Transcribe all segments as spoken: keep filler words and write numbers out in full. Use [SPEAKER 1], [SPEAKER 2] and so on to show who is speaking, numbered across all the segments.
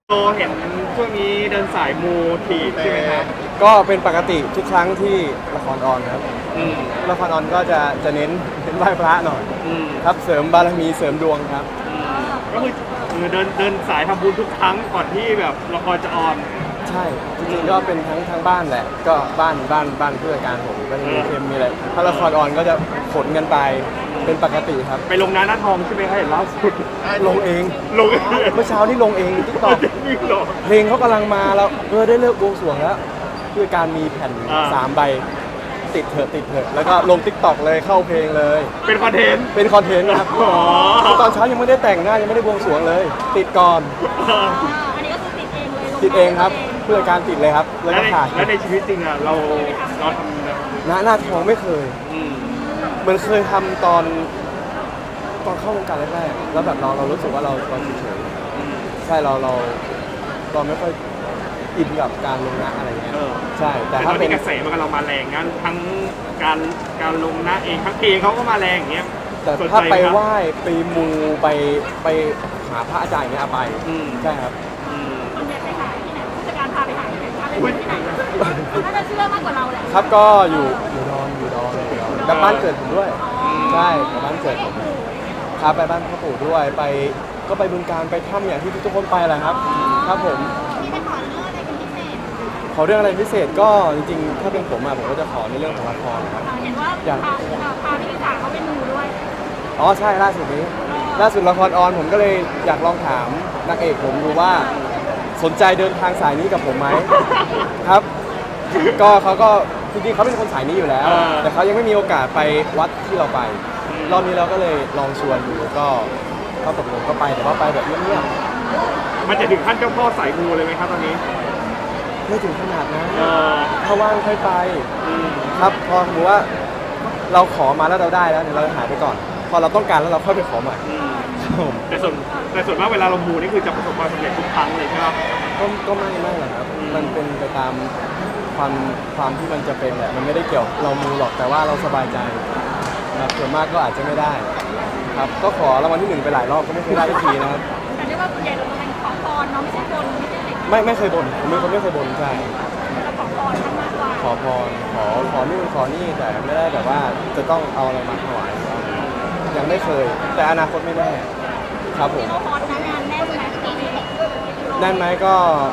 [SPEAKER 1] โตเห็นช่วงนี้เดินสายมูทีใช่ไหมครับ
[SPEAKER 2] ก็เป็นปกติทุกครั้งที่ละครออนครับ
[SPEAKER 1] อืม
[SPEAKER 2] ละครออนก็จะจะเน้นเน้นไหว้พระหน่อย
[SPEAKER 1] อืม
[SPEAKER 2] ครับเสริมบารมีเสริมดวงครับ
[SPEAKER 1] อืมก็คือเออเดินเดินสายทำบุญทุกครั้งก่อนที่แบบละครจะออน
[SPEAKER 2] ใช่จริงๆก็เป็นทั้งทั้งบ้านแหละก็บ้านบ้านบ้านเพื่อการผมก็จะมีเค็มมีอะไรถ้าละครออนก็จะขนกันไปเป็นปกติครับ
[SPEAKER 1] ไปลงน้าหน้าทองใช่ไหมครับเห็นล่าสุด
[SPEAKER 2] ลงเอง
[SPEAKER 1] ลงเอง
[SPEAKER 2] เมื่อเช้านี่ลงเองทิกตอก
[SPEAKER 1] นี่หรอ
[SPEAKER 2] เพลงเขากำลังมาแล้วเออได้เลิกบวงสรวงแล้วด้วยการมีแผ่น
[SPEAKER 1] อ่า
[SPEAKER 2] สามใบติดเถอะติดเถอะแล้วก็ลงทิกตอกเลยเข้าเพลงเลย
[SPEAKER 1] เป็นคอนเทนต์
[SPEAKER 2] เป็นคอนเทนต์นะครับ
[SPEAKER 1] อ๋อ
[SPEAKER 2] ตอนเช้ายังไม่ได้แต่งหน้ายังไม่ได้บวงสรวงเลย ติดก่อน
[SPEAKER 1] เออ
[SPEAKER 3] อันนี้ก็คือติดเองเลย
[SPEAKER 2] ติดเองครับเพื่อการติดเลยครับแล้ว
[SPEAKER 1] แล้ว
[SPEAKER 2] ก็
[SPEAKER 1] ใน
[SPEAKER 2] ถ่าย
[SPEAKER 1] แล้วในชีวิตจริงอ่ะเราเราทำแบบ
[SPEAKER 2] หน้าหน้าทองไม่เคย
[SPEAKER 1] อืม
[SPEAKER 2] เหมือนเคยทำตอนตอนเข้าวงการแรกๆแล้วแบบเราเรารู้สึกว่าเราเราเฉยๆใช่เราเราเราไม่ค่อยอินกับการลงหน้าอะไรเงี้ย
[SPEAKER 1] เออ
[SPEAKER 2] ใช่แต่
[SPEAKER 1] แต่ต
[SPEAKER 2] ถ้า
[SPEAKER 1] อน
[SPEAKER 2] เป็
[SPEAKER 1] นี้
[SPEAKER 2] น
[SPEAKER 1] กระแสมันกำลังมาแรงงั้นทั้งการการลงหน้าเองทั้งเพลงเขาก็มาแรงอย่างเงี้ย
[SPEAKER 2] แต่
[SPEAKER 1] สนใจ
[SPEAKER 2] ถ้าไป
[SPEAKER 1] มครับ
[SPEAKER 2] ไหว้ไปมูไปไปหาพระอาจารย์อย่างเงี้ยเอาไป
[SPEAKER 1] อืม
[SPEAKER 2] ใช่ครับ
[SPEAKER 1] อืม
[SPEAKER 3] คนเดียวไปหาที่ไหนผู้จัดการพาไปหาที่ไหนพาไปที่ไหนน่าจะเชื่อมากกว่าเราแหละ
[SPEAKER 2] ครับก็อยู่อยู่ดอนอยู่ดอนอยู่ดอนกับบ้านเกิดผมด้วยใช่กับบ้านเกิดผมพาไปบ้านพ่อปู่ด้วยไปก็ไปบึงการไปถ้ำอย่างที่ทุกคนไปแหละครับครับผม
[SPEAKER 3] มีไปขอเรื่องอะไรเป็นพิเศษ
[SPEAKER 2] ขอเรื่องอะไรพิเศษก็จริงๆถ้าเป็นผมอะผมก็จะขอในเรื่องของละครนะครับ
[SPEAKER 3] เห็นว่าพาพาพี่ลิสาเขาไปมูด้วย
[SPEAKER 2] อ๋อใช่ล่าสุดนี้ล่าสุดละครออนผมก็เลยอยากลองถามนางเอกผมดูว่าสนใจเดินทางสายนี้กับผมไหมครับ ก็เขาก็จริงๆเขาเป็นคนสายนี้อยู่แล้ว แต่เขายังไม่มีโอกาสไปวัดที่เราไปรอบนี้เราก็เลยลองชวนดูก็ก็ตกลงก็ไปแต่ว่าไปแบบเงียบ
[SPEAKER 1] มันจะถึงขั้นเจ้าพ่อสายมูเลยไหมครับตอนนี้
[SPEAKER 2] ๆไม่ถึงขนาดนะ
[SPEAKER 1] เออ
[SPEAKER 2] ถ้าว่างค่อยไป
[SPEAKER 1] อืม
[SPEAKER 2] ครับพอสมมติว่าเราขอมาแล้วเราได้แล้วเนี่ยเราหายไปก่อน พอเราต้องการแล้วเราค่อยไปขอใหม่
[SPEAKER 1] อืม
[SPEAKER 2] ครับผม
[SPEAKER 1] แต่ส่วนแต่ส่วนมากเวลาเรามูนี่คือจะประสบความสำเร็จทุกครั้งเลยใช่ไหมครับ
[SPEAKER 2] ก็ก็ไม่ไม่หรอกครับ มันเป็นไปตามความความที่มันจะเป็นแหละ มันไม่ได้เกี่ยวเรามูหรอกแต่ว่าเราสบายใจครับส่วนมากก็อาจจะไม่ได้ ครับ ก็ขอรางวัลที่หนึ่งไปหลายรอบก็ไม่เคยได้สักทีนะครับ
[SPEAKER 3] แต่เรียกว่าส่วนใหญ่เราจะเป็นขอพรเนาะไม่ใช่บนไม่ใช่ติด
[SPEAKER 2] ไม่ไม่เคยบ่นผมเป็นคนไม่เคยบ่นใช่
[SPEAKER 3] เราขอพรท่านมากกว่า
[SPEAKER 2] ขอพรขอขอนู่นขอนี่แต่ไม่ได้แบบว่าจะต้องเอาอะไรมาถวายยังไม่เคย แต่อนาคตไม่แน่ครับผม
[SPEAKER 3] เราพรนะงานแน่นไหมปีนี้
[SPEAKER 2] แน่นไหมก็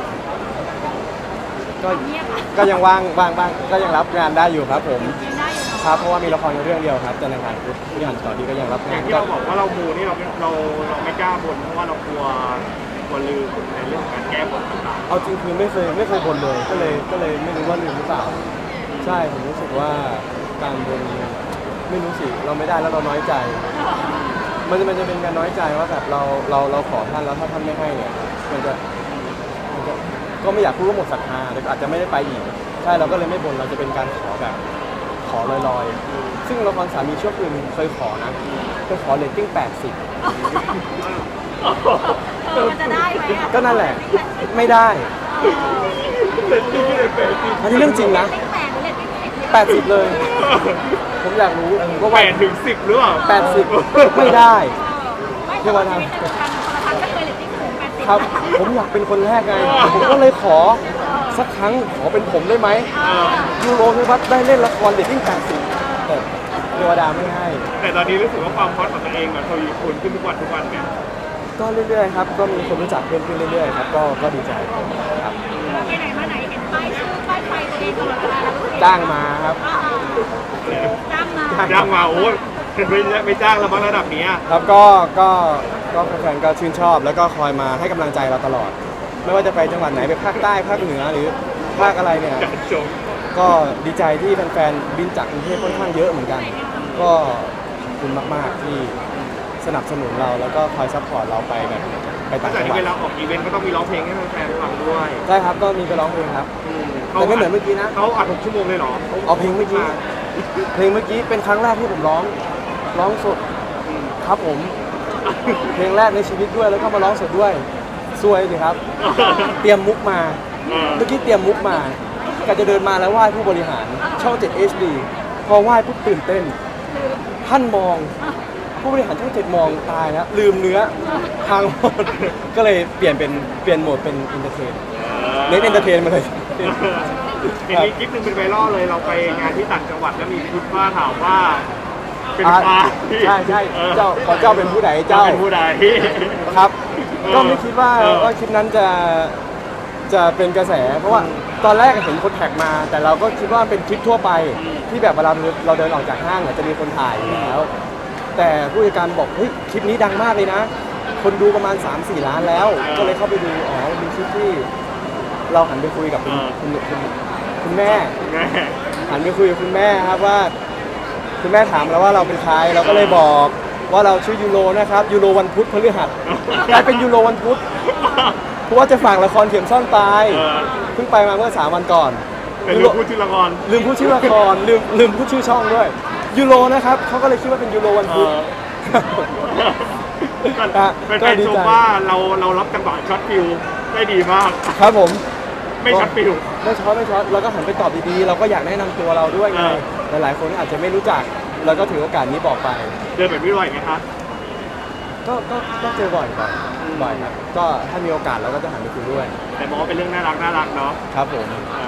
[SPEAKER 2] ก็
[SPEAKER 3] เงียบอ่ะ
[SPEAKER 2] ก็ยังว่างว่างบ้างก็ยังรับงานได้อยู่ครับผม
[SPEAKER 3] ยังได้อยู่เนาะ
[SPEAKER 2] ครับเพราะว่ามีละครเรื่องเดียวครับจันทร์อังคารพุธที่หันต่อดีก็ยังรับาน
[SPEAKER 1] องย่างที่
[SPEAKER 2] ก็
[SPEAKER 1] เราบอกว่าเรามูนี่เราเราเราไม่กล้าบนเพราะว่าเรากลัวกลัวลืมในเรื่องของการแก้บนต่าง
[SPEAKER 2] เอาจริงคือไม่เคยไม่เคยบ่นเลยก็เลยก็เลยไม่รู้ว่าลืมหรือเปล่า ใช่ผมรู้สึกว่าการบนไม่รู้สิเราไม่ได้แล้วเราน้อยใจ มันจะมันจะเป็นการน้อยใจว่าแบบเราเราเราขอท่านแล้วถ้าท่านไม่ให้เนี่ยมันจะมันจะก็ไม่อยากพูดว่าหมดศรัทธาแต่ก็อาจจะไม่ได้ไปอีกใช่เราก็เลยไม่บ่นเราจะเป็นการขอแบบขอลอยๆ ซึ่งละครสามีชั่วคืนเคยขอนะเคยขอเรตติ้งแปดสิบ
[SPEAKER 3] เออมันจะได้ไหมอ่ะ
[SPEAKER 2] ก็นั่นแหละไม่ได้อันนี้เรื่องจริงนะ
[SPEAKER 3] เลขแปดหรือเลขสิบ
[SPEAKER 2] แปดสิบเลย ผมอยากรู้ว่า
[SPEAKER 1] ๆแปดถึงสิบหรือเปล่า
[SPEAKER 2] แปดสิบไม่ได้
[SPEAKER 3] ไม่
[SPEAKER 2] เท
[SPEAKER 3] เท
[SPEAKER 2] ว
[SPEAKER 3] ว
[SPEAKER 2] ดา
[SPEAKER 3] ดาโทรทัศน์ก็เคยเลตติ้งสูงแปดสิบ
[SPEAKER 2] ครับ ผมอยากเป็นคนแรกไง ผมก็เลยขอสักครั้งขอเป็นผมได้ไหม
[SPEAKER 1] เออ
[SPEAKER 2] ยูโรพิวัฒน์ได้เล่นละครเรตติ้งแปดสิบแต่เทวดาไม่ให้
[SPEAKER 1] แต่ตอนนี้รู้สึกว่าความฮอตของตัวเองมันทวีคูณขึ้นทุกวันทุกวันเนี่ย
[SPEAKER 2] ก็เรื่อยๆครับ ก็มีคนรู้จักเพิ่มขึ้นเรื่อยๆครับ ก็ก็ดีใจครับ
[SPEAKER 3] ไปไหนมาไหนเห็นป้ายชื่อป้ายไฟตัวเองตลอดเวลาแล้วรู้สึก
[SPEAKER 2] จ้างมาครับ
[SPEAKER 3] จ้างมา
[SPEAKER 1] จ้างมาโอ้ยไม่ไม่จ้างแล้วมั้งระดับเนี้ย
[SPEAKER 2] ครับก็ก็ก็แฟนๆก็ชื่นชอบ แล้วก็คอยมาให้กำลังใจเราตลอด ไม่ว่าจะไปจังหวัดไหนไปภาคใต้ภาคเหนือหรือภาคอะไรเนี่ย
[SPEAKER 1] จัดชม
[SPEAKER 2] ก็ดีใจที่แฟนๆบินจากกรุงเทพค่อนข้างเยอะเหมือนกัน ก็ขอบคุณมากๆที่สนับสนุนเราแล้วก็คอยซัพพอร์ตเราไปแบบไปต่าง
[SPEAKER 1] แต่
[SPEAKER 2] จังหวั
[SPEAKER 1] เว
[SPEAKER 2] ด
[SPEAKER 1] ลาออกอีเวนต์ก็ต้องมีร้องเพลงให้แฟนๆฟังด้วย
[SPEAKER 2] ใช่ครับก็มีไปร้องเพลงครับ
[SPEAKER 1] อืม
[SPEAKER 2] แต่ไม่เหมือนเมื่อกี้นะ
[SPEAKER 1] เขาอัดหกชั่วโมงเลยเหรอ
[SPEAKER 2] เอาเพลงเมื่อกี้เพลงเมื่อกี้เป็นครั้งแรกที่ผมร้องร้องสด
[SPEAKER 1] อืม
[SPEAKER 2] ครับผม เพลงแรกในชีวิตด้วยแล้วก็มาร้องสดด้วยซวยสิครับ เตรียมมุกมา
[SPEAKER 1] เออ
[SPEAKER 2] เมื่อกี้เตรียมมุกมาก็จะเดินมาแล้วไหว้ผู้บริหารช่อง เจ็ด เอช ดี พอไหว้ปุ๊บตื่นเต้น ท่านมองผู้บริหารช่องเจ็ดมองตายแล้วลืมเนื้อพังหมด ก็เลยเปลี่ยนเป็นเปลี่ยนโหมดเป็นอินเตอร์เทนเน้นเอนเตอร์เทนมาเลย
[SPEAKER 1] เห็นมีคลิปหนึ่งเป็นไวรัลเลยเราไปงานที่ต่างจังหวัดแล้วมีคุณป้าถามว่าเป็น
[SPEAKER 2] อ่า
[SPEAKER 1] ใคร
[SPEAKER 2] ใช่ใช่
[SPEAKER 1] ออ
[SPEAKER 2] เจ้าขอเจ้าเป็นผู้ใด
[SPEAKER 1] เจ้า
[SPEAKER 2] เจ้า
[SPEAKER 1] เป็นผู้ใด
[SPEAKER 2] ครับ
[SPEAKER 1] เออ
[SPEAKER 2] ก็ไม่คิดว่า
[SPEAKER 1] เออ
[SPEAKER 2] ว่าคลิปนั้นจะจะเป็นกระแส เพราะว่าตอนแรกเห็นคนแท็กมา แต่เราก็คิดว่าเป็นคลิปทั่วไปที่แบบเวลาเราเดินออกจากห้างเนี่ยจะมีคนถ่ายอยู่แล้ว แต่ผู้จัดการบอกเฮ้ยคลิปนี้ดังมากเลยนะ คนดูประมาณ สามสี่ ล้านแล้ว ก็เลยเข้าไปดูอ๋อมีคลิปที่เราหันไปคุยกับคุณคุณคุณคุณแม่
[SPEAKER 1] แม่
[SPEAKER 2] หันไปคุยกับคุณแม่ครับว่าคุณแม่ถามเราว่าเราเป็นใครเราก็เลยบอกว่าเราชื่อยูโรนะครับยูโรวันพุธพฤหัสกลายเป็นยูโรวันพุธเพราะว่าจะฝากละครเข็มซ่อนตาย
[SPEAKER 1] เออ
[SPEAKER 2] เพิ่งไปมาเมื่อสามวันก่อน
[SPEAKER 1] เป็น
[SPEAKER 2] ยู
[SPEAKER 1] ลู
[SPEAKER 2] โร
[SPEAKER 1] กพูดชื่อละคร
[SPEAKER 2] ลืมพูดชื่อละครลืมลืมพูดชื่อช่องด้วยยูโรนะครับเขาก็เลยคิดว่าเป็นยูโรวัน
[SPEAKER 1] เอ
[SPEAKER 2] พุธ
[SPEAKER 1] อก็
[SPEAKER 2] อ่ะ
[SPEAKER 1] เป็น
[SPEAKER 2] ก็
[SPEAKER 1] แฟน
[SPEAKER 2] ดี
[SPEAKER 1] ชม
[SPEAKER 2] ใจ
[SPEAKER 1] ว่าเราเรารับจังหวะช็อตฟิลได้ดีมาก
[SPEAKER 2] ครับผม
[SPEAKER 1] ไม่ช็อตฟิล
[SPEAKER 2] ไม่ช็อตไม่ช็อตเราก็หันไปตอบดีๆเราก็อยากแนะนำตัวเราด้วยไง
[SPEAKER 1] เออ
[SPEAKER 2] หลายๆคนอาจจะไม่รู้จักเราก็ถือโอกาสนี้บอกไป
[SPEAKER 1] เดินแบบนี้บ่อยไหมคะ
[SPEAKER 2] ก็ก็ก็เจอบ่อยบ่อยบ่อยครับ ก็ถ้ามีโอกาสเราก็จะหันไปคุยด้วย
[SPEAKER 1] แต่มองว่าเป็นเรื่องน่ารักน่ารักเนาะ
[SPEAKER 2] ครับผม
[SPEAKER 1] เอ